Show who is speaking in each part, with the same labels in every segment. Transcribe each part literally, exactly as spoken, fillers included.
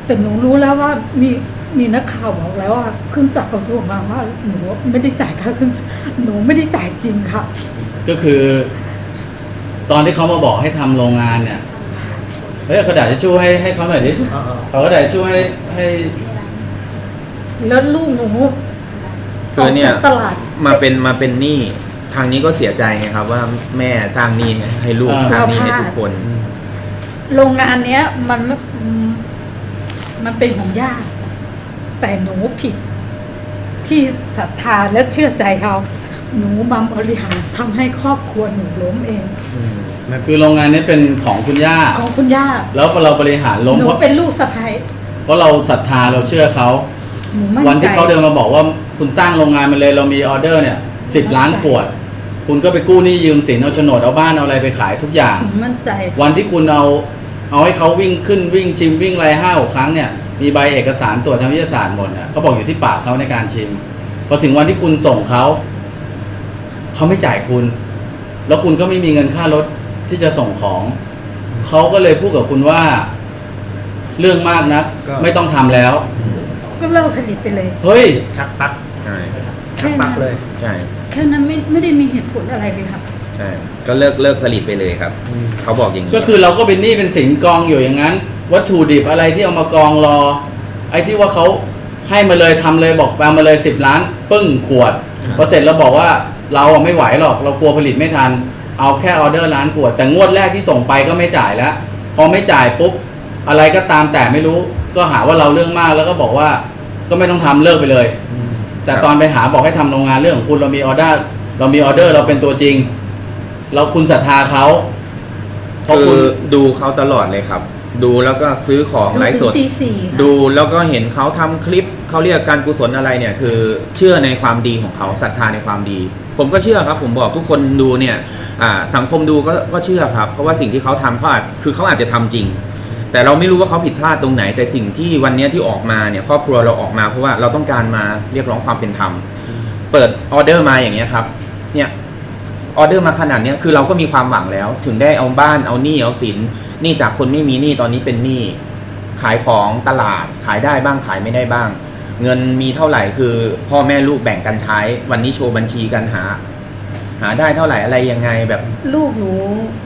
Speaker 1: แต่หนูรู้แล้วว่ามีมีนักข่าวบอกแล้วว่าเครื่องจักรเขาโทรมาว่าหนูไม่ได้จ่ายค่าเครื่องจักรหนูไม่ได้จ่ายจริงค่ะ
Speaker 2: ก็คือตอนที่เขามาบอกให้ทำโรงงานเนี่ยเฮ้ยกระดาษทิชชู่ให้ให้เขาหน่อยดิเขากระดาษทิชชู่ให้ให้
Speaker 1: แล้วลูกหนู
Speaker 3: คือเนี่ยมาเป็นมาเป็นหนี้ทางนี้ก็เสียใจไงครับว่าแม่สร้างหนี้ให้ลูกสร้างหนี้ให้ทุกคน
Speaker 1: โรงงานเนี้ยมันมันเป็นของญาติแต่หนูผิดที่ศรัทธาและเชื่อใจเขาหนูมาบริหารทำให้ครอบครัวหนูล้มเอง
Speaker 2: คือโรงงานนี้เป็นของคุณย่า
Speaker 1: ของคุณย่า
Speaker 2: แล้วเราบริหารล้ม
Speaker 1: หนูเป็นลูกสะใภ้
Speaker 2: เพราะเราศรัทธาเราเชื่อเขาวันที่เขาเดินมาบอกว่าคุณสร้างโรงงานมาเลยเรามีออเดอร์เนี่ยสิบล้านขวดคุณก็ไปกู้หนี้ยืมสินเอาโฉนดเอาบ้านเอาอะไรไปขายทุกอย่าง
Speaker 1: มั่นใจ
Speaker 2: วันที่คุณเอาเอาให้เขาวิ่งขึ้นวิ่งชิมวิ่งอะไรห้าหกครั้งเนี่ยมีใบเอกสารตรวจทางวิทยาศาสตร์หมดเนี่ยเขาบอกอยู่ที่ปากเขาในการชิมพอถึงวันที่คุณส่งเขาเขาไม่จ่ายคุณแล้วคุณก็ไม่มีเงินค่ารถที่จะส่งของเขาก็เลยพูดกับคุณว่าเรื่องมากนะไม่ต้องทำแล้ว
Speaker 1: ก็เลิกผลิตไปเลย
Speaker 2: เฮ้ย
Speaker 3: ชักปัก
Speaker 1: ใช่
Speaker 3: ชักปักเลยใช่
Speaker 1: แค่นั้นไม่ไม่ได้มีเหตุผลอะไรเลยครับ
Speaker 3: ใช่ก็เลิกเลิกผลิตไปเลยครับเขาบอกอย่างนี้
Speaker 2: ก็คือเราก็เป็นหนี้เป็นสินกองอยู่อย่างนั้นวัตถุดิบอะไรที่เอามากองรอไอ้ที่ว่าเขาให้มาเลยทำเลยบอกเอามาเลยสิบล้านปึ้งขวดพอเสร็จเราบอกว่าเราไม่ไหวหรอกเรากลัวผลิตไม่ทันเอาแค่ออเดอร์ล้านขวดแต่งวดแรกที่ส่งไปก็ไม่จ่ายแล้วพอไม่จ่ายปุ๊บอะไรก็ตามแต่ไม่รู้ก็หาว่าเราเรื่องมากแล้วก็บอกว่าก็ไม่ต้องทำเลิกไปเลยแต่ตอนไปหาบอกให้ทำโรงงานเรื่องของคุณเรามีออเดอร์เรามีออเดอร์เราเป็นตัวจริงเราคุณศรัทธาเขา
Speaker 3: คือดูเขาตลอดเลยครับดูแล้วก็ซื้อของไลฟ์สดดูแล้วก็เห็นเขาทำคลิปเขาเรียกการกุศลอะไรเนี่ยคือเชื่อในความดีของเขาศรัทธาในความดีผมก็เชื่อครับผมบอกทุกคนดูเนี่ยสังคมดูก็ก็เชื่อครับเพราะว่าสิ่งที่เขาทำเขาอาจคือเขาอาจจะทำจริงแต่เราไม่รู้ว่าเขาผิดพลาดตรงไหนแต่สิ่งที่วันนี้ที่ออกมาเนี่ยครอบครัวเราออกมาเพราะว่าเราต้องการมาเรียกร้องความเป็นธรรมเปิดออเดอร์มาอย่างเงี้ยครับเนี่ยออเดอร์มาขนาดนี้คือเราก็มีความหวังแล้วถึงได้เอาบ้านเอาหนี้เอาสินหนี้จากคนไม่มีหนี้ตอนนี้เป็นหนี้ขายของตลาดขายได้บ้างขายไม่ได้บ้างเงินมีเท่าไหร่คือพ่อแม่ลูกแบ่งกันใช้วันนี้โชว์บัญชีกันหาหาได้เท่าไหร่อะไรยังไงแบบ
Speaker 1: ลูกหนู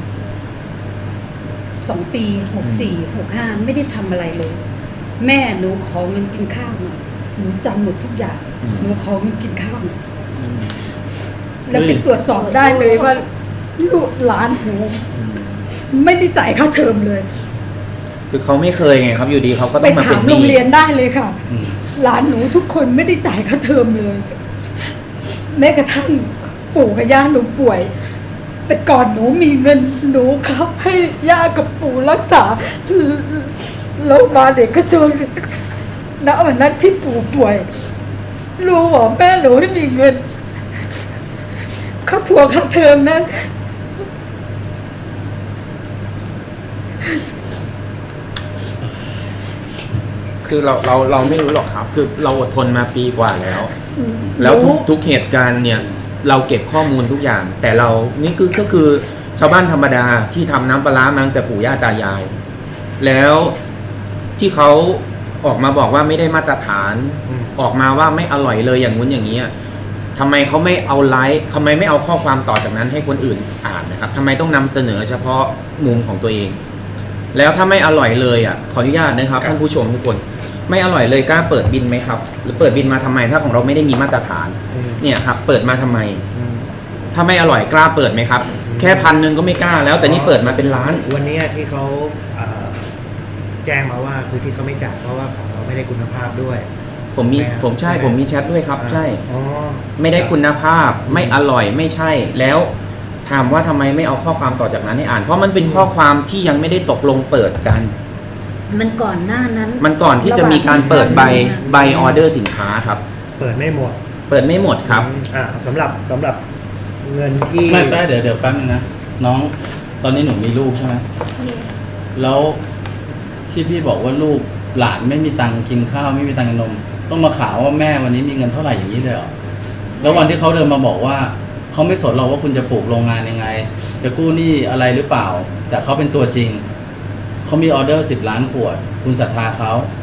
Speaker 1: สองปีหกสี่หกห้าไม่ได้ทำอะไรเลยแม่หนูขอเงินกินข้าวหน่อยหนูจำหมดทุกอย่างหนูขอเงินกินข้าวหน่อยแล้วไปตรวจสอบได้เลยว่าลูกหลานหนูไม่ได้จ่ายค่าเทอมเลย
Speaker 3: คือเขาไม่เคยไงครับอยู่ดีเขาก็ต้องมาเป็นหนี้
Speaker 1: ไปถามโรงเรียนได้เลยค่ะหลานหนูทุกคนไม่ได้จ่ายค่าเทอมเลยแม้กระทั่งปู่กับย่าหนูป่วยแต่ก่อนหนูมีเงินหนูครับให้ย่ากับปู่รักษาโรงพยาบาลเด็กกระทรวงณวันนั้นที่ปู่ป่วยลูกบอกแม่หนูไม่มีเงินเขาทวงค่าเทอมนะ
Speaker 3: คือเราเราเราไม่รู้หรอกครับคือเราอดทนมาปีกว่าแล้วแล้วทุกทุกเหตุการณ์เนี่ยเราเก็บข้อมูลทุกอย่างแต่เรานี่คือก็คือชาวบ้านธรรมดาที่ทำน้ำปลาร้ามาตั้งแต่ปู่ย่าตายายแล้วที่เขาออกมาบอกว่าไม่ได้มาตรฐานออกมาว่าไม่อร่อยเลยอย่างงู้นอย่างนี้ทำไมเขาไม่เอาไลฟ์ทำไมไม่เอาข้อความต่อจากนั้นให้คนอื่นอ่านนะครับทำไมต้องนำเสนอเฉพาะมุมของตัวเองแล้วถ้าไม่อร่อยเลยอ่ะขออนุญาตนะครับท่านผู้ชมทุกคนไม่อร่อยเลยกล้าเปิดบินไหมครับหรือเปิดบินมาทำไมถ้าของเราไม่ได้มีมาตรฐานเนี่ยครับเปิดมาทำไมถ้าไม่อร่อยกล้าเปิดไหมครับแค่พันหนึ่งก็ไม่กล้าแล้วแต่นี่เปิดมาเป็นล้าน
Speaker 4: วันนี้ที่เขาแจ้งมาว่าคือที่เขาไม่จ่ายเพราะว่าของเราไม่ได้คุณภาพด้วย
Speaker 3: ผมมีผมใช่ผมมีแชทด้วยครับใช่ไม่ได้คุณภาพไม่อร่อยไม่ใช่แล้วถามว่าทำไมไม่เอาข้อความต่อจากนั้นให้อ่านเพราะมันเป็นข้อความที่ยังไม่ได้ตกลงเปิดกัน
Speaker 1: มันก่อนหน้านั้น
Speaker 3: มันก่อนที่จะมีการเปิดใบใบออเดอร์สินค้าครับ
Speaker 4: เปิดไม่หมด
Speaker 3: เปิดไม่หมดครับ
Speaker 4: อ่าสำหรับสำหรับเงินที่
Speaker 2: ไม่แป๊บเดี๋ยวเดี๋ยวแป๊บนึงนะน้องตอนนี้หนูมีลูกใช่ไหมแล้วที่พี่บอกว่าลูกหลานไม่มีตังค์กินข้าวไม่มีตังค์กินนมต้องมาข่าวว่าแม่วันนี้มีเงินเท่าไหร่อย่างนี้เลยเหรอแล้ววันที่เขาเดินมาบอกว่าเขาไม่สนเราว่าคุณจะปลูกโรงงานยังไงจะกู้หนี้อะไรหรือเปล่าแต่เขาเป็นตัวจริงเขามีออเดอร์สิบล้านขวดคุณศรัทธาเขา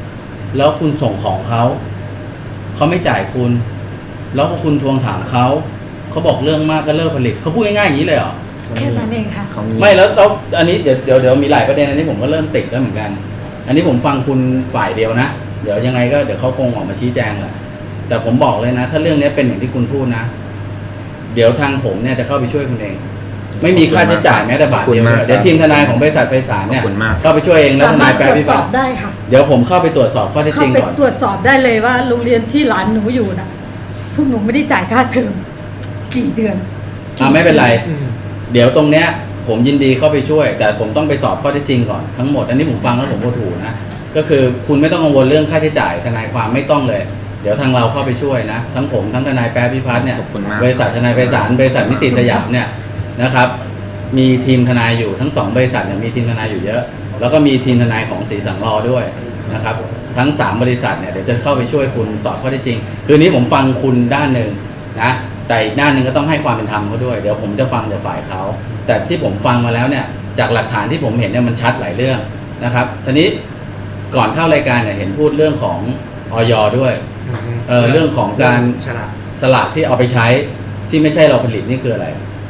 Speaker 2: แล้วคุณส่งของเขาเขาไม่จ่ายคุณ แล้วพอคุณทวงถามเขาเขาบอกเรื่องมากก็เลิกผลิตเขาพูดง่ายๆอย่างนี้เลยเหรอ
Speaker 1: แค่นั้นเองค่ะ
Speaker 3: เขา
Speaker 2: ไม่แล้วแล้วอันนี้เดี๋ยวเดี๋ยวเดี๋ยวมีหลายประเด็นอันนี้ผมก็เริ่มติดแล้วเหมือนกัน อันนี้ผมฟังคุณฝ่ายเดียวนะเดี๋ยวยังไงก็เดี๋ยวเขาคงออกมาชี้แจงแหละแต่ผมบอกเลยนะถ้าเรื่องนี้เป็นอย่างที่คุณพูดนะเดี๋ยวทางผมเนี่ยจะเข้าไปช่วยคุณเอง ไม่มีค่าใช้จ่ายแม้แต่บาทเดียวเดี๋ยวทีมทนายของบริษัทไพศาลเนี่ยเข้าไปช่วยเองแล้วทนายแปลพิพากษา
Speaker 1: ได้ค่ะ
Speaker 2: เดี๋ยวผมเข้าไปตรวจสอบข้อเท็จจ
Speaker 1: เข้า
Speaker 2: ริง
Speaker 1: ไป
Speaker 2: ก่อน
Speaker 1: ตรวจสอบได้เลยว่าโรงเรียนที่หลานหนูอยู่น่ะพวกหนูไม่ได้จ่ายค่าเทอมกี่เดือน
Speaker 2: อ่าไม่เป็นไร
Speaker 4: อืม
Speaker 2: เดี๋ยวตรงเนี้ยผมยินดีเข้าไปช่วย แต่ผมต้องไปสอบข้อเท็จจริงก่อนทั้งหมดอันนี้ผมฟังแล้วผมโมโหนะก็คือคุณไม่ต้องกังวลเรื่องค่าใช้จ่ายทนายความไม่ต้องเลย เดี๋ยวทางเราเข้าไปช่วยนะทั้งผมทั้งทนายแป๊ะพิพัฒน์เนี่ย
Speaker 3: ขอบคุณมาก
Speaker 2: บริษัททนายไพศาลบริษัทนิติสยามเนี่ยนะครับมีทีมทนายอยู่ทั้งสองบริษัทเนี่ยมีทีมทนายอยู่เยอะ แล้วก็มีทีมทนายของศรีสังรอด้วยนะครับทั้งสามบริษัทเนี่ยเดี๋ยวจะเข้าไปช่วยคุณสอบข้อเท็จจริง คืนนี้ผมฟังคุณด้านหนึ่งนะแต่อีกด้านหนึ่งก็ต้องให้ความเป็นธรรมเขาด้วยเดี๋ยวผมจะฟังจากฝ่ายเขาแต่ที่ผมฟังมาแล้วเนี่ยจากหลักฐานที่ผมเห็นเนี่ยมันชัดหลายเรื่องนะครับทีนี้ก่อนเข้ารายการเนี่ยเห็นพูดเรื่องของอย.ด้วย เอ่อเรื่องของการ
Speaker 4: ฉลาด
Speaker 2: สลากที่เอาไปใช้ที่ไม่ใช่เราผลิตนี่คืออะไร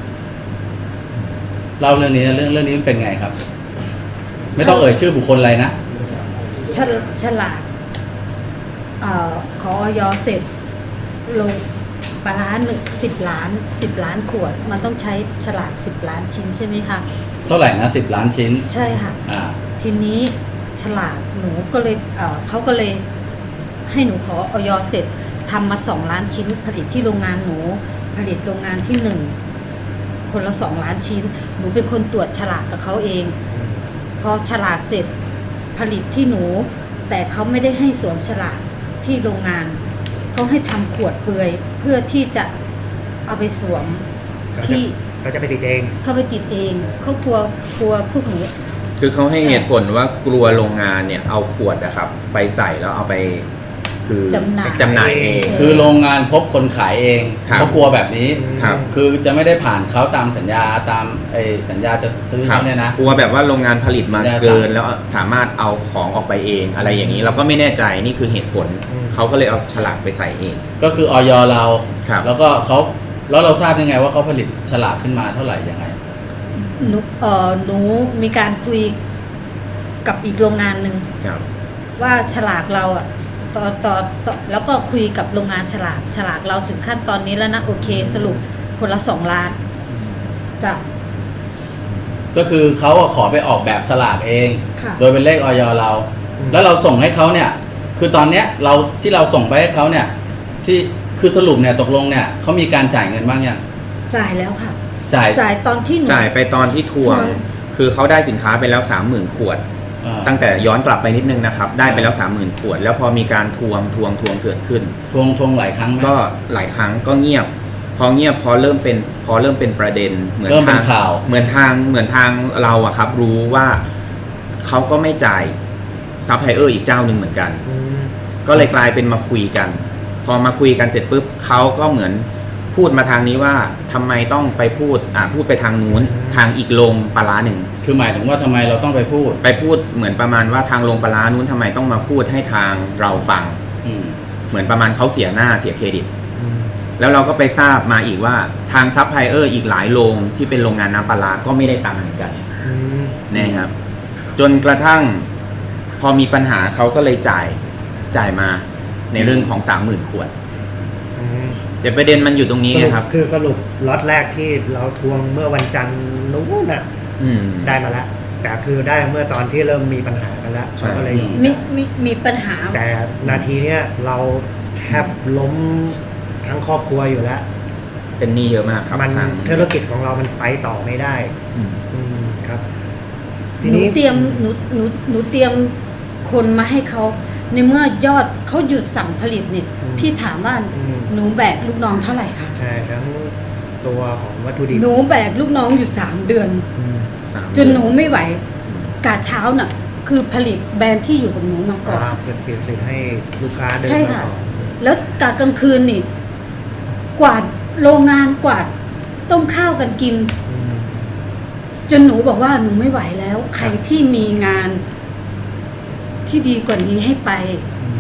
Speaker 2: เล่าเรื่องนี้นะเรื่องเรื่องนี้มันเป็นไงครับ ไม่ต้องเอ่ยชื่อบุคคลอะไรนะ
Speaker 1: ฉลฉลากเอ่อขอออยเสร็จลงปลาร้าหนึ่งสิบล้านสิบล้านขวด มันต้องใช้ฉลากสิบล้านชิ้นใช่ไหมคะ
Speaker 2: เท่าไหร่นะสิบล้านชิ้น
Speaker 1: ใช่ค่ะ
Speaker 2: อ่า
Speaker 1: ทีนี้ฉลากหนูก็เลยเอ่อเขาก็เลยให้หนูขอออยเสร็จทำมาสองล้านชิ้น ผลิตที่โรงงานหนูผลิตโรงงานที่หนึ่งคนละสองล้านชิ้น หนูเป็นคนตรวจฉลากกับเขาเอง พอฉลากเสร็จผลิตที่หนู แต่เขาไม่ได้ให้สวมฉลากที่โรงงานเขาให้ทำขวดเปลือยเพื่อที่จะเอาไปสวม
Speaker 4: เขาจะ
Speaker 1: ที่
Speaker 4: เขาจะไปติดเอง
Speaker 1: เขาไปติดเองเขากลัวกลัวพวกหนู
Speaker 3: คือเขาให้เหตุผลว่ากลัวโรงงานเนี่ยเอาขวดนะครับไปใส่แล้วเอาไปคือ
Speaker 1: จำหน่าย
Speaker 3: จำหน่ายเอง
Speaker 2: คือโรงงานพบคนขายเอง
Speaker 3: ครับ
Speaker 2: เขากลัวแบบนี้
Speaker 3: ครับ
Speaker 2: คือจะไม่ได้ผ่านเขาตามสัญญาตามไอ้สัญญาจะซื้อ
Speaker 3: ครับ
Speaker 2: เขาเนี่ยนะ
Speaker 3: กลัวแบบว่าโรงงานผลิตมา
Speaker 2: ได้
Speaker 3: เกิน แล้วสามารถเอาของออกไปเองอะไรอย่างนี้เราก็ไม่แน่ใจนี่คือเหตุผล
Speaker 4: อืม
Speaker 3: เขาก็เลยเอาฉลากไปใส่เอง
Speaker 2: ก็คือออยเรา
Speaker 3: ครับ
Speaker 2: แล้วก็เขาแล้วเราทราบยังไงว่าเขาผลิตฉลากขึ้นมาเท่าไหร่ยังไง
Speaker 1: หนูเอ่อหนูมีการคุยกับอีกโรงงานหนึ่ง
Speaker 3: ครับ
Speaker 1: ว่าฉลากเราอ่ะตอนตอนตอนแล้วก็คุยกับโรงงานฉลากฉลากเราถึงขั้นตอนนี้แล้วนะโอเค สรุปคนละสองล้านจ้ะ
Speaker 2: ก็คือเขาอะขอไปออกแบบสลากเอง
Speaker 1: ค่ะ
Speaker 2: โดยเป็นเลขออยเรา
Speaker 4: อืม
Speaker 2: แล้วเราส่งให้เขาเนี่ย คือตอนเนี้ยเราที่เราส่งไปให้เขาเนี่ย ที่คือสรุปเนี่ยตกลงเนี่ยเขามีการจ่ายเงินบ้างยัง
Speaker 1: จ่ายแล้วค่ะ
Speaker 2: จ่าย
Speaker 1: จ่ายตอนที่หนู
Speaker 3: จ่ายไปตอนที่ทวง
Speaker 1: ทวง
Speaker 3: คือเขาได้สินค้าไปแล้วสามหมื่นขวด
Speaker 2: เอ่อ
Speaker 3: ตั้งแต่ย้อนกลับไปนิดนึงนะครับ ได้ไปแล้วสามหมื่นขวด แล้วพอมีการทวงทวงทวงเกิดขึ้น
Speaker 2: ทวงทวงหลายครั้งไหม
Speaker 3: ก็หลายครั้งก็เงียบ พอเงียบพอเริ่มเป็นพอเริ่มเป็นประเด็นเหมือน
Speaker 2: เริ่มเป็น
Speaker 3: ทาง
Speaker 2: ข่าว
Speaker 3: เหมือนทางเหมือนทางเราอะครับ รู้ว่าเขาก็ไม่จ่ายซัพพลายเออร์อีกเจ้าหนึ่งเหมือนกัน
Speaker 4: อืม
Speaker 3: ก็เลยกลายเป็นมาคุยกัน พอมาคุยกันเสร็จปุ๊บเขาก็เหมือนพูดมาทางนี้ว่าทำไมต้องไปพูดอ่าพูดไปทางนู้นทางอีกโรงปลาร้าหนึ่ง
Speaker 2: คือหมายถึงว่าทำไมเราต้องไปพูด
Speaker 3: ไปพูดเหมือนประมาณว่าทางโรงปลาร้านู้นทำไมต้องมาพูดให้ทางเราฟัง
Speaker 2: อืม
Speaker 3: เหมือนประมาณเขาเสียหน้าเสียเครดิต
Speaker 4: อืม
Speaker 3: แล้วเราก็ไปทราบมาอีกว่าทางซัพพลายเออร์อีกหลายโรงที่เป็นโรงงานน้ำปลาร้าก็ไม่ได้ตังค์เหมือนกัน
Speaker 4: อืม
Speaker 3: นะครับ จนกระทั่งพอมีปัญหาเขาก็เลยจ่ายจ่ายมาในเรื่องของสามหมื่นขวด
Speaker 4: อืม
Speaker 3: เดี๋ยวประเด็นมันอยู่ตรงนี้
Speaker 4: สรุป
Speaker 3: นะครับ
Speaker 4: คือสรุปล็อตแรกที่เราทวงเมื่อวันจันทร์นู้นน่ะ
Speaker 3: อืม
Speaker 4: ได้มาแล้ว แต่คือได้เมื่อตอนที่เริ่มมีปัญหากันแล้ว
Speaker 3: ใช่
Speaker 4: เขาก็เลยยอม
Speaker 1: มี
Speaker 4: จ่าย
Speaker 1: มีมีปัญหา
Speaker 4: แต่นาทีเนี้ยเราแทบล้มทั้งครอบครัวอยู่แล้ว
Speaker 3: เป็นหนี้เยอะมากครับ
Speaker 4: มัน
Speaker 3: ทาง
Speaker 4: ธุรกิจของเรามันไปต่อไม่ได้
Speaker 3: อืม
Speaker 4: อืมครับ
Speaker 1: ห
Speaker 4: ที
Speaker 1: นู
Speaker 4: นี้
Speaker 1: เตรียมหนูหนูหนูเตรียมคนมาให้เขาในเมื่อยอดเขาหยุดสั่งผลิตเนี่ยพี่ถามว่า
Speaker 4: อืม
Speaker 1: หนูแบกลูกน้องเท่าไหร่คะ
Speaker 4: ใช่ทั้งตัวของวัตถุดิบ
Speaker 1: หนูแบกลูกน้องอยู่สามเดือน
Speaker 4: อืม
Speaker 3: สาม
Speaker 1: จนหนูไม่ไหวกาเช้าน่ะ คือผลิตแบรนด์ที่อยู่กับหนูมาก่อน
Speaker 4: อ่าเปิดเปลี่ยนเป็นให้ลูกค้าเดิน
Speaker 1: ใช่
Speaker 4: มา
Speaker 1: ค่ะ
Speaker 4: ก่อน
Speaker 1: แล้วกากลางคืนนี่ กวาดโรงงานกวาดต้มข้าวกันกิน
Speaker 4: อืม
Speaker 1: จนหนูบอกว่าหนูไม่ไหวแล้ว ใครที่มีงานที่ดีกว่านี้ให้ไป
Speaker 4: อืม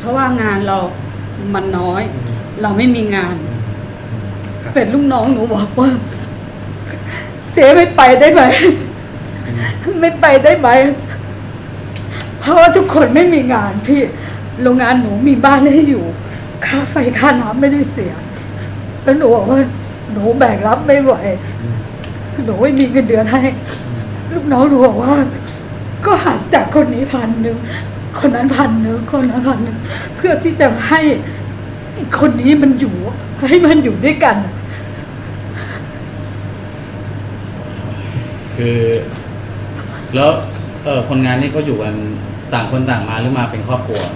Speaker 1: เพราะว่างานเรามันน้อย
Speaker 4: อืม
Speaker 1: เราไม่มีงาน
Speaker 4: อืมอืมครับ
Speaker 1: แต่ลูกน้องหนูบอกว่า เจ๊ไม่ไปได้ไหม ไม่ไปได้ไหม เพราะว่าทุกคนไม่มีงานพี่ โรงงานหนูมีบ้านให้อยู่ ค่าไฟค่าน้ำไม่ได้เสีย แล้วหนูบอกว่าหนูแบกรับไม่ไหว
Speaker 4: อืม
Speaker 1: หนูไม่มีเงินเดือนให้ ลูกน้องหนูบอกว่า ก็หักจากคนนี้พันหนึ่ง คนนั้นพันหนึ่ง คนนั้นพันหนึ่ง เพื่อที่จะให้คนนี้มันอยู่ ให้มันอยู่ด้วยกัน
Speaker 2: คือ แล้วเออคนงานนี่เขาอยู่กันต่างคนต่างมาหรือมาเป็นครอบครัว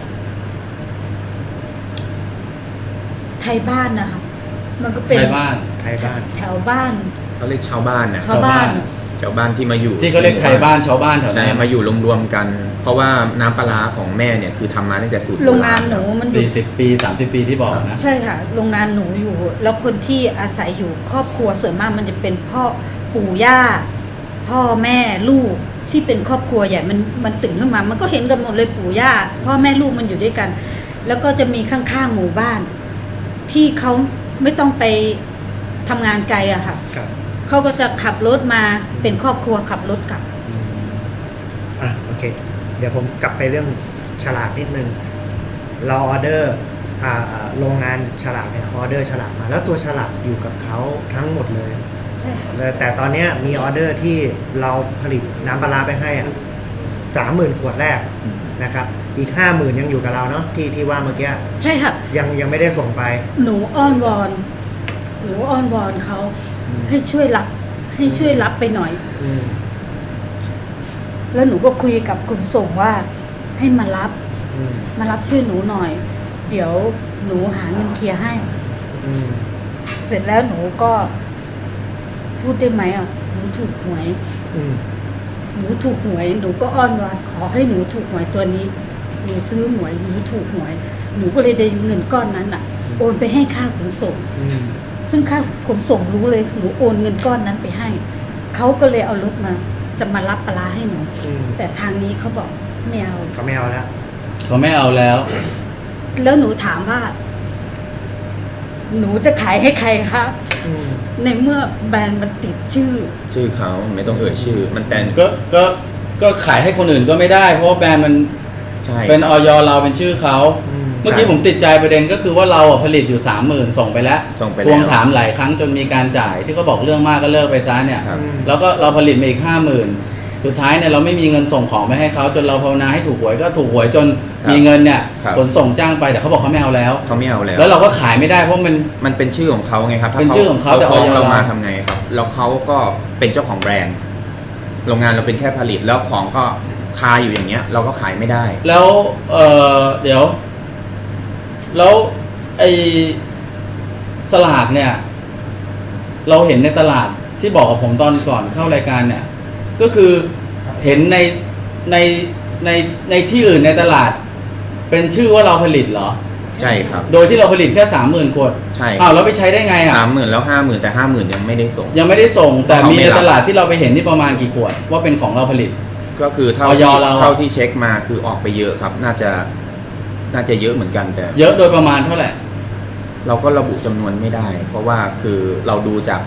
Speaker 1: ไทยบ้านนะคะมันก็เป็น
Speaker 2: ใครบ้าน
Speaker 4: ใครบ้าน
Speaker 1: แถวบ้าน
Speaker 3: เขาเรียกชาวบ้านนะ
Speaker 1: ชาวบ้าน
Speaker 3: ชาวบ้านที่มาอยู่
Speaker 2: ที่เขาเรียกไทยบ้านชาวบ้านแถว
Speaker 3: ใช่
Speaker 2: นั้น
Speaker 3: มาอยู่รวมๆกัน เพราะว่าน้ำปลาร้าของแม่เนี่ยคือทำมาตั้งแต่สูตร
Speaker 1: โรงงานหนูมันอยู่
Speaker 2: สี่สิบปีสามสิบปีที่บอกนะ
Speaker 1: ใช่ค่ะ โรงงานหนูอยู่ แล้วคนที่อาศัยอยู่ครอบครัวส่วนมากมันจะเป็นพ่อปู่ย่า พ่อแม่ลูกที่เป็นครอบครัวใหญ่มันมันตื่นขึ้นมา มันก็เห็นกันหมดเลยปู่ย่าพ่อแม่ลูกมันอยู่ด้วยกัน แล้วก็จะมีข้างๆหมู่บ้าน ที่เขาไม่ต้องไปทำงานไกลอะค่ะ
Speaker 4: ครับ
Speaker 1: เขาก็จะขับรถมาเป็นครอบครัวขับรถกลับ
Speaker 4: อืมอ่ะโอเค เดี๋ยวผมกลับไปเรื่องฉลากนิดนึง เราออเดอร์อ่าอ่าโรงงานฉลากเนี่ยออเดอร์ฉลากมา แล้วตัวฉลากอยู่กับเขาทั้งหมดเลย
Speaker 1: ใช่ค่ะ
Speaker 4: เลยแต่ตอนเนี้ยมีออเดอร์ที่เราผลิตน้ำปลาร้าไปให้อ่ะสามหมื่นขวดแรกนะครับ อีกห้าหมื่นยังอยู่กับเราเนาะที่ที่ว่าเมื่อกี้
Speaker 1: ใช่ค่ะ
Speaker 4: ยังยังไม่ได้ส่งไป
Speaker 1: หนูอ้อนวอน หนูอ้อนวอนเขา
Speaker 4: อืม
Speaker 1: ให้ช่วยรับ ให้ช่วยรับไปหน่อย
Speaker 4: อืม
Speaker 1: แล้วหนูก็คุยกับคุณส่งว่าให้มารับ
Speaker 4: อืม
Speaker 1: มารับช่วยหนูหน่อย เดี๋ยวหนูหาเงินเคลียร์ให้
Speaker 4: อืม
Speaker 1: เสร็จแล้วหนูก็ พูดได้ไหมอ่ะ หนูถูกหวย
Speaker 4: อืม
Speaker 1: หนูถูกหวย หนูก็อ้อนวอนขอให้หนูถูกหวยตัวนี้ หนูซื้อหวย หนูถูกหวย หนูก็เลยได้เงินก้อนนั้นอ่ะ โอนไปให้ค่าขนส่ง
Speaker 4: อืม
Speaker 1: ซึ่งค่าขนส่งรู้เลย หนูโอนเงินก้อนนั้นไปให้ เขาก็เลยเอารถมา จะมารับปลาร้าให้หนู
Speaker 4: อืม
Speaker 1: แต่ทางนี้เขาบอกไม่เอา
Speaker 4: เขาไม่เอาแล้ว
Speaker 2: เขาไม่เอาแล้ว
Speaker 1: แล้วหนูถามว่า หนูจะขายให้ใครคะ
Speaker 4: อืม
Speaker 1: ในเมื่อแบรนด์มันติดชื่อ
Speaker 3: ชื่อเขาไม่ต้องเอ่ยชื่อ มันแต่
Speaker 2: ก็ก็ก็ขายให้คนอื่นก็ไม่ได้ เพราะว่าแบรนด์มัน
Speaker 3: ใช่
Speaker 2: เป็นออยเราเป็นชื่อเขา
Speaker 4: อืม
Speaker 2: เมื่อกี้ผมติดใจประเด็นก็คือว่าเราอะผลิตอยู่สามหมื่นส่งไปแล้ว
Speaker 3: ส่งไป
Speaker 2: ท
Speaker 3: แล้ว
Speaker 2: วงถามหลายครั้งจนมีการจ่ายที่เขาบอกเรื่องมากก็เลิกไปซะเนี่ย
Speaker 3: ครับ
Speaker 4: อืม
Speaker 2: แล้วก็เราผลิตมาอีกห้าหมื่นสุดท้ายเนี่ยเราไม่มีเงินส่งของไปให้เขาจนเราภาวนาให้ถูกหวยก็ถูกหวยจน
Speaker 3: ครับ
Speaker 2: มีเงินเนี่ย
Speaker 3: ครับ
Speaker 2: ขนส่งจ้างไปแต่เขาบอกเขาไม่เอาแล้ว
Speaker 3: เขาไม่เอาแล้ว
Speaker 2: แล้วเราก็ขายไม่ได้เพราะมัน
Speaker 3: มันเป็นชื่อของเขาไงครับถ้า
Speaker 2: เป็นชื่อของเขาแต่
Speaker 3: ฟ้อง
Speaker 2: ออย
Speaker 3: เรามา
Speaker 2: เรา
Speaker 3: ทำไงครับ แล้วเขาก็เป็นเจ้าของแบรนด์ โรงงานเราเป็นแค่ผลิตแล้วของก็คาอยู่อย่างเงี้ย เราก็ขายไม่ได้
Speaker 2: แล้วเออเดี๋ยว แล้วไอสลากเนี่ย เราเห็นในตลาดที่บอกกับผมตอนก่อนเข้ารายการเนี่ย ก็คือเห็นในในในในที่อื่นในตลาด เป็นชื่อว่าเราผลิตเหรอ
Speaker 3: ใช่ครับ
Speaker 2: โดยที่เราผลิตแค่สามหมื่นขวด
Speaker 3: ใช่
Speaker 2: อ้าวแล้วไปใช้ได้ไงอ่ะ
Speaker 3: สามหมื่นแล้วห้าหมื่นแต่ห้าหมื่นยังไม่ได้ส่ง
Speaker 2: ยังไม่ได้ส่ง แต่
Speaker 3: เขามี
Speaker 2: มีใน
Speaker 3: รับ
Speaker 2: ตลาดที่เราไปเห็นนี่ประมาณกี่ขวด ว่าเป็นของเราผลิต
Speaker 3: ก็คือเท่า
Speaker 2: ออย
Speaker 3: ที่
Speaker 2: เราอะ
Speaker 3: เท่าที่เช็คมาคือออกไปเยอะครับ น่าจะน่าจะเยอะเหมือนกันแต่
Speaker 2: เยอะโดยประมาณเท่าไหร่
Speaker 3: เราก็ระบุจำนวนไม่ได้ เพราะว่าคือเราดูจาก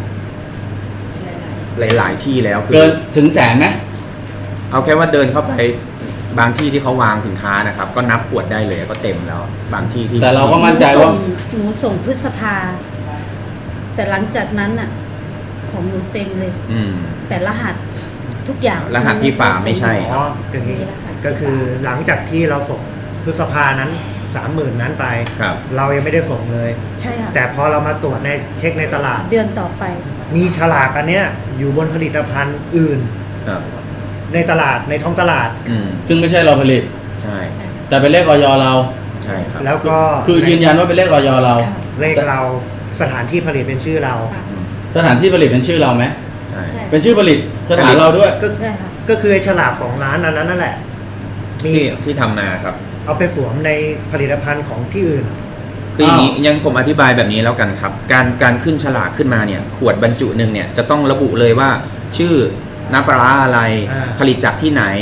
Speaker 3: หลาย ๆ ที่แล้วคื
Speaker 2: เกินถึงแสนไหม
Speaker 3: เอาแค่ว่าเดินเข้าไปบางที่ที่เขาวางสินค้านะครับ ก็นับขวดได้เลยก็เต็มแล้ว บางที่ที่
Speaker 2: แต่เราก็มั่นใจว่า
Speaker 1: หนูส่งพฤษภา แต่หลังจากนั้นน่ะ ของหนูเต็มเลย
Speaker 3: อืม
Speaker 1: แต่รหัสทุกอย่าง
Speaker 3: รหัสที่ฝาไม่ใช่
Speaker 4: อ๋ออย่างนี้ก็คือหลังจากที่เราส่งพฤษภานั้นสามหมื่นนั้นไป
Speaker 3: ครับ
Speaker 4: เรายังไม่ได้ส่งเลย
Speaker 1: ใช่ค่ะ
Speaker 4: แต่พอเรามาตรวจในเช็คในตลาด
Speaker 1: เดือนต่อไป
Speaker 4: มีฉลากอันเนี้ยอยู่บนผลิตภัณฑ์อื่น
Speaker 3: ครับ
Speaker 4: ในตลาดในท้องตลาด
Speaker 3: อืม
Speaker 2: ซึ่งไม่ใช่เราผลิต
Speaker 3: ใช่
Speaker 2: แต่เป็นเลขออยเรา
Speaker 3: ใช่ครับ
Speaker 4: แล้วก็
Speaker 2: คือยืนยันว่าเป็นเลขออยเรา
Speaker 1: ค่ะ
Speaker 4: เลขเราสถานที่ผลิตเป็นชื่อเรา
Speaker 1: ค่ะ
Speaker 3: อืม
Speaker 2: สถานที่ผลิตเป็นชื่อเราไหม
Speaker 3: ใช่
Speaker 2: เป็นชื่อผลิตสถานเราด้วย
Speaker 4: ก็
Speaker 1: ใช่ค่ะ
Speaker 4: ก็คือไอ้ฉลากสองล้านอันนั้นนั่นแหละ มี
Speaker 3: ที่ที่ทำมาครับ
Speaker 4: เอาไปสวมในผลิตภัณฑ์ของที่อื่น
Speaker 3: คืออย่างนี้ยังผมอธิบายแบบนี้แล้วกันครับ การการขึ้นฉลากขึ้นมาเนี่ยขวดบรรจุหนึ่งเนี่ยจะต้องระบุเลยว่าชื่อน้ำปลาร้าอะไร
Speaker 4: อ่า
Speaker 3: ผลิตจากที่ไหน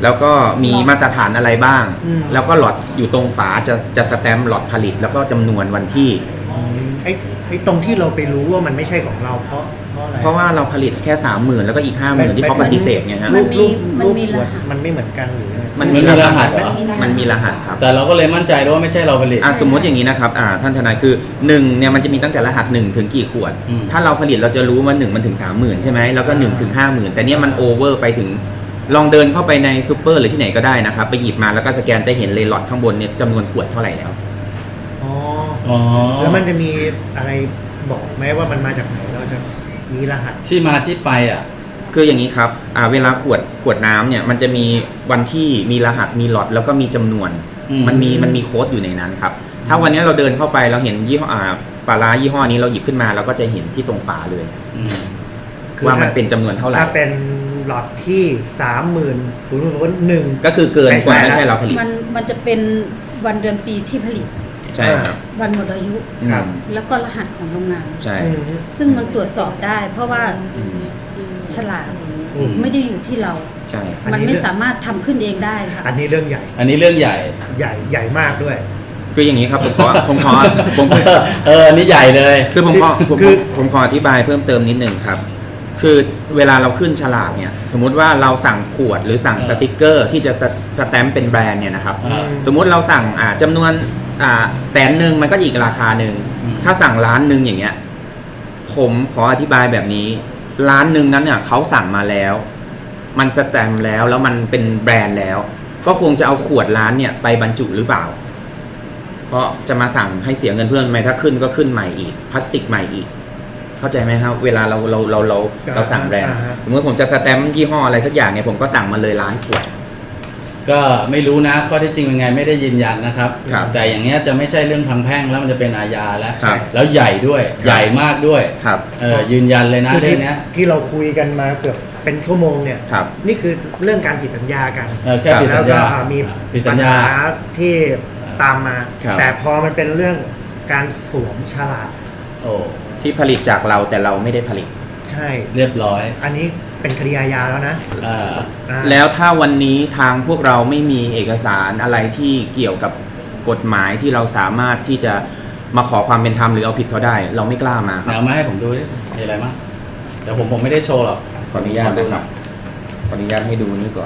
Speaker 3: แล้วก็มีมาตรฐานอะไรบ้าง
Speaker 4: อืม
Speaker 3: แล้วก็หลอดอยู่ตรงฝาจะจะสแตมป์หลอดผลิต แล้วก็จำนวนวันที่
Speaker 4: ไอ้ไอ้ตรงที่เราไปรู้ว่ามันไม่ใช่ของเราเพราะเพราะอะไร
Speaker 3: เพราะว่าเราผลิตแค่สามหมื่นแล้วก็อีกห้าหมื่นที่เขาปฏิเสธไงฮะ
Speaker 4: รูปรูป
Speaker 5: มัน
Speaker 4: รูป
Speaker 5: มี
Speaker 4: ขวด
Speaker 5: รหัส
Speaker 4: มันไม่เหมือนกันหรือยังไง
Speaker 3: มัน
Speaker 2: มันมีรหัสเหรอ
Speaker 3: มันมีรหัสครับ
Speaker 2: แต่เราก็เลยมั่นใจด้วยว่าไม่ใช่เราผลิต
Speaker 3: อ่ะสมมติอย่างนี้นะครับอ่าท่านทนายคือหนึ่งเนี่ยมันจะมีตั้งแต่รหัสหนึ่งถึงกี่ขวด
Speaker 2: อืม
Speaker 3: ถ้าเราผลิตเราจะรู้ว่าหนึ่งมันถึงสามหมื่นใช่ไหมแล้วก็หนึ่งถึงห้าหมื่นแต่เนี่ยมันโอเวอร์ไปถึงลองเดินเข้าไปในซูเปอร์หรือที่ไหนก็ได้นะครับไปหยิบมาแล้วก็สแกนจะเห็นเลยหลอดข้างบนเนี่ยจำนวนขวดเท่าไหร่แล้ว
Speaker 4: อ๋อ
Speaker 2: อ๋อ
Speaker 4: แล้วมันจะมีอะไรบอกไหมว่ามันมาจากไหนเราจะมีรหัส
Speaker 2: ที่มาที่ไปอ่ะ
Speaker 3: คืออย่างนี้ครับอ่าเวลาขวดขวดน้ำเนี่ยมันจะมีวันที่มีรหัสมีหลอดแล้วก็มีจำนวน
Speaker 2: อืม
Speaker 3: มันมีมันมีโค้ดอยู่ในนั้นครับถ้าวันนี้เราเดินเข้าไปเราเห็นยี่ห้ออ่าปลาร้ายี่ห้อนี้เราหยิบขึ้นมาเราก็จะเห็นที่ตรงฝาเลย
Speaker 2: อืม
Speaker 4: คือ
Speaker 3: ว่ามัน
Speaker 4: ถ้า
Speaker 3: เป็นจำนวนเท่าไหร่
Speaker 4: ถ้าเป็นหลอดที่สามหมื่นศูนย์ศูนย์หนึ่ง
Speaker 3: ก็คือเกินกว่า
Speaker 4: ไม่
Speaker 3: ไม่
Speaker 4: ใช่
Speaker 3: ใช่เราผลิต
Speaker 5: มันมันจะเป็นวันเดือนปีที่ผลิต
Speaker 3: ใช่ครับ
Speaker 5: วันหมดอายุ
Speaker 4: ครับ
Speaker 3: อืม
Speaker 5: แล้วก็รหัสของโรงงาน
Speaker 3: ใช่
Speaker 5: ซึ่งมันตรวจสอบได้ เพราะว่า
Speaker 3: อืม
Speaker 5: ฉลาก
Speaker 4: อืม
Speaker 5: ไม่ได้อยู่ที่เรา
Speaker 3: ใช่
Speaker 4: อันนี้
Speaker 5: มันไม่สามารถทำขึ้นเองได้ค่ะ
Speaker 4: อันนี้เรื่องใหญ่
Speaker 2: อันนี้เรื่องใหญ่
Speaker 4: ใหญ่ใหญ่มากด้วย
Speaker 3: คืออย่างนี้ครับผมขอ ผมขอผม
Speaker 2: เออเอออันนี้ใหญ่เลย
Speaker 3: คือผมขอผม
Speaker 4: คือ
Speaker 3: ผมขออธิบายเพิ่มเติมนิดหนึ่งครับ คือเวลาเราขึ้นฉลากเนี่ย สมมุติว่าเราสั่งขวดหรือสั่ง
Speaker 2: เออ
Speaker 3: สติกเกอร์ที่จะสสแตมป์เป็นแบรนด์เนี่ยนะครับ
Speaker 2: อ่า
Speaker 3: สมมุติเราสั่งอ่าจำนวนอ่าแสนหนึ่งมันก็อีกราคาหนึ่ง
Speaker 2: อืม
Speaker 3: ถ้าสั่งล้านหนึ่งอย่างเงี้ย ผมขออธิบายแบบนี้ล้านหนึ่งนั้นเนี่ยเขาสั่งมาแล้ว มันสแตมป์แล้วแล้วมันเป็นแบรนด์แล้ว ก็คงจะเอาขวดล้านเนี่ยไปบรรจุหรือเปล่า เพราะจะมาสั่งให้เสียเงินเพิ่มไหมถ้าขึ้นก็ขึ้นใหม่อีกพลาสติกใหม่อีก เข้าใจไหมครับเวลาเราเราเราเราเราสั่งแบรนด์
Speaker 4: อ่าฮะ
Speaker 3: สมมติผมจะสแตมป์ยี่ห้ออะไรสักอย่างเนี่ยผมก็สั่งมาเลยล้านขวด
Speaker 2: ก็ไม่รู้นะข้อเท็จจริงเป็นไงไม่ได้ยืนยันนะครับ
Speaker 3: ครับ
Speaker 2: แต่อย่างเงี้ยจะไม่ใช่เรื่องทางแพ่งแล้วมันจะเป็นอาญาแล้ว
Speaker 3: ครับ
Speaker 2: แล้วใหญ่ด้วย ใหญ่มากด้วย
Speaker 3: ครับ
Speaker 2: เออยืนยันเลยนะ
Speaker 4: คือ
Speaker 2: เรื่
Speaker 4: ที่
Speaker 2: องเนี้ย
Speaker 4: ที่เราคุยกันมาเกือบเป็นชั่วโมงเนี่ย
Speaker 3: ครับ
Speaker 4: นี่คือเรื่องการผิดสัญญากัน
Speaker 2: เออแค่ผิด
Speaker 4: แล้
Speaker 2: สั
Speaker 4: ว
Speaker 2: ญ
Speaker 4: ก็
Speaker 2: ญา
Speaker 4: อ่ามี
Speaker 2: ผิดสั
Speaker 4: ปั
Speaker 2: ญ
Speaker 4: ญ
Speaker 2: ญา
Speaker 4: หาที่ตามมา
Speaker 3: ครับ
Speaker 4: แต่พอมันเป็นเรื่องการสวมฉลาก
Speaker 2: โอ้
Speaker 3: ที่ผลิตจากเราแต่เราไม่ได้ผลิต
Speaker 4: ใช่
Speaker 2: เรียบร้อย
Speaker 4: อันนี้เป็นคดีอาญาแล้วนะ
Speaker 2: อ่า
Speaker 4: อ่า
Speaker 3: แล้วถ้าวันนี้ทางพวกเราไม่มีเอกสารอะไรที่เกี่ยวกับกฎหมายที่เราสามารถที่จะมาขอความเป็นธรรมหรือเอาผิดเขาได้ เราไม่กล้ามาครับ
Speaker 2: เอามาให้ผมดูดิมีอะไรมั้งแต่ผมผมไม่ได้โชว์หรอก
Speaker 3: ขออนุญาตนะครับขออนุญาตให้ดูนี่ก่อน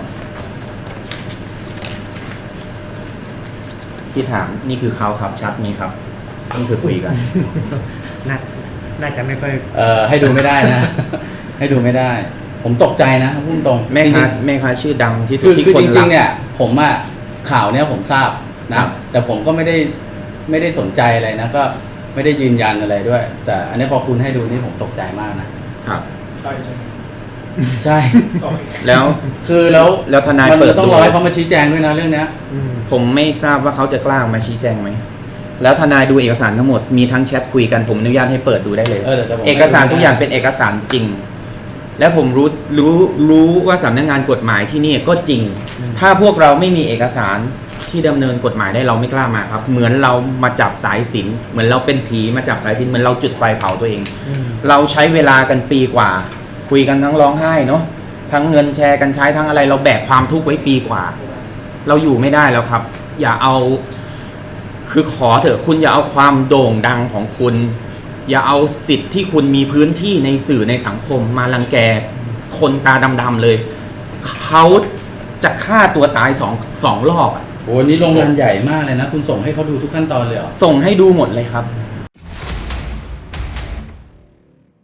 Speaker 3: ที่ถามนี่คือเขาครับชัดไหมครับนี่คือคุยกัน
Speaker 4: น่าน่าจะไม่ค่อย
Speaker 2: เอ่อให้ดูไม่ได้นะ ให้ดูไม่ได้ ผมตกใจนะพูดตรง
Speaker 3: แม่ค้า
Speaker 2: จริงๆ
Speaker 3: แม่ค้าชื่อดังที่สุ
Speaker 2: คื
Speaker 3: ด
Speaker 2: อ
Speaker 3: ที่
Speaker 2: คือ
Speaker 3: คน
Speaker 2: จ
Speaker 3: รั
Speaker 2: ริ
Speaker 3: ก
Speaker 2: งๆเนี่ยผมอะข่าวเนี่ยผมทราบ
Speaker 3: ครั
Speaker 2: นะ
Speaker 3: บ
Speaker 2: แต่ผมก็ไม่ได้ไม่ได้สนใจอะไรนะก็ไม่ได้ยืนยันอะไรด้วย แต่อันนี้พอคุณให้ดูนี่ผมตกใจมากนะครับ
Speaker 6: ใช่ใช่ไหม
Speaker 2: ใช่
Speaker 6: โอเค
Speaker 3: แล้ว
Speaker 2: คือแล้ว
Speaker 3: แล้วทนาย
Speaker 2: มัน
Speaker 3: เปิด
Speaker 2: ต้อง
Speaker 3: ดู
Speaker 2: รอให้เขามาชี้แจงด้วยนะเรื่องเนี้ย
Speaker 4: อืม
Speaker 3: ผมไม่ทราบว่าเขาจะกล้ามาชี้แจงไหมแล้วทนายดูเอกสารทั้งหมดมีทั้งแชทคุยกันผมอนุญาตให้เปิดดูได้เลย
Speaker 2: เออแต่แต่ผม
Speaker 3: เอกสารทุกอย่างเป็นเอกสารจริง และผมรู้รู้รู้ว่าสำนักงานกฎหมายที่นี่ก็จริง ถ้าพวกเราไม่มีเอกสารที่ดำเนินกฎหมายได้เราไม่กล้ามาครับ เหมือนเรามาจับสายสิญจน์เหมือนเราเป็นผีมาจับสายสิญจน์เหมือนเราจุดไฟเผาตัวเอง
Speaker 4: อืม
Speaker 3: เราใช้เวลากันปีกว่า คุยกันทั้งร้องไห้เนาะทั้งเงินแชร์กันใช้ทั้งอะไร เราแบกความทุกข์ไว้ปีกว่า เราอยู่ไม่ได้แล้วครับ อย่าเอา คือขอเถอะคุณอย่าเอาความโด่งดังของคุณ อย่าเอาสิทธิ์ที่คุณมีพื้นที่ในสื่อในสังคมมารังแกคนตาดำๆเลย เขาจะฆ่าตัวตายสองสองรอบอะ
Speaker 2: โอ้โหนี่โรงงานใหญ่มากเลยนะ คุณส่งให้เขาดูทุกขั้นตอนเลยเหรอ
Speaker 3: ส่งให้ดูหมดเลยครับ
Speaker 2: โ